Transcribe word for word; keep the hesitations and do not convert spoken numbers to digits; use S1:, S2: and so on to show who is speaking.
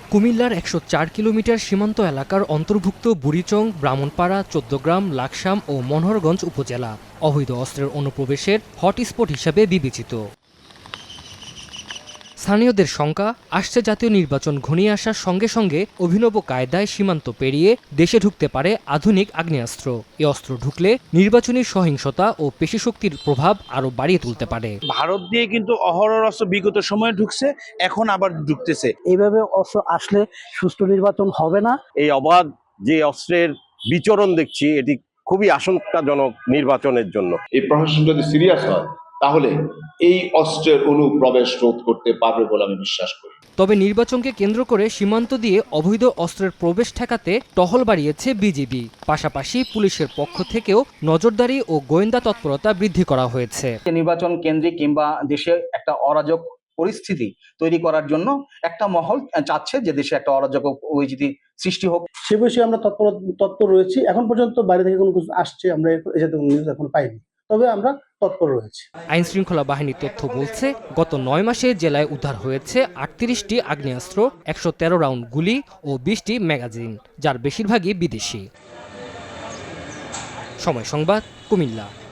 S1: কুমিল্লার একশো চার কিলোমিটার সীমান্ত এলাকার অন্তর্ভুক্ত বুড়িচং, ব্রাহ্মণপাড়া, চৌদ্দগ্রাম, লাকসাম ও মনোহরগঞ্জ উপজেলা অবৈধ অস্ত্রের অনুপ্রবেশের হটস্পট হিসেবে বিবেচিত। স্থানীয়দের শঙ্কা, আসছে জাতীয় নির্বাচন ঘনিয়ে আসার সঙ্গে সঙ্গে অভিনব কায়দায় সীমান্ত পেরিয়ে দেশে ঢুকতে পারে আধুনিক আগ্নেয়াস্ত্র। এ অস্ত্র ঢুকলে নির্বাচনী সহিংসতা ও পেশিশক্তির প্রভাব আরও বাড়িয়ে তুলতে পারে।
S2: ভারত দিয়ে কিন্তু অহরহ অস্ত্র বিগত সময়ে ঢুকছে, এখন আবার ঢুকতেছে।
S3: এইভাবে অস্ত্র আসলে সুষ্ঠু নির্বাচন হবে না।
S4: এই অবাধ যে অস্ত্রের বিচরণ দেখছি, এটি খুবই আশঙ্কাজনক নির্বাচনের জন্য।
S5: এই প্রশাসন যদি সিরিয়াস হয় তাহলে এই অস্ত্রের অনুপ্রবেশ রোধ করতে পারবে বলে আমি বিশ্বাস করি।
S1: তবে নির্বাচনকে কেন্দ্র করে সীমান্ত দিয়ে অবৈধ অস্ত্রের প্রবেশ ঠেকাতে টহল বাড়িয়েছে বিজিবি। পাশাপাশি পুলিশের পক্ষ থেকেও নজরদারি ও গোয়েন্দা তৎপরতা বৃদ্ধি করা হয়েছে।
S6: নির্বাচন কেন্দ্রিক কিংবা দেশে একটা অরাজক পরিস্থিতি তৈরি করার জন্য একটা মহল চাচ্ছে যে দেশে একটা অরাজক পরিস্থিতি সৃষ্টি হোক।
S3: সে বিষয়ে আমরা তৎপর তৎপর রয়েছি। এখন পর্যন্ত বাইরে থেকে কোনো কিছু আসছে আমরা এই জাতীয় নিউজ এখন পাইনি, তবে আমরা তৎপর রয়েছি।
S1: আইন শৃঙ্খলা বাহিনীর তথ্য বলছে, গত নয় মাসে জেলায় উদ্ধার হয়েছে আটত্রিশটি আগ্নেয়াস্ত্র, একশো তেরো রাউন্ড গুলি ও বিশটি ম্যাগাজিন, যার বেশিরভাগই বিদেশি। সময় সংবাদ, কুমিল্লা।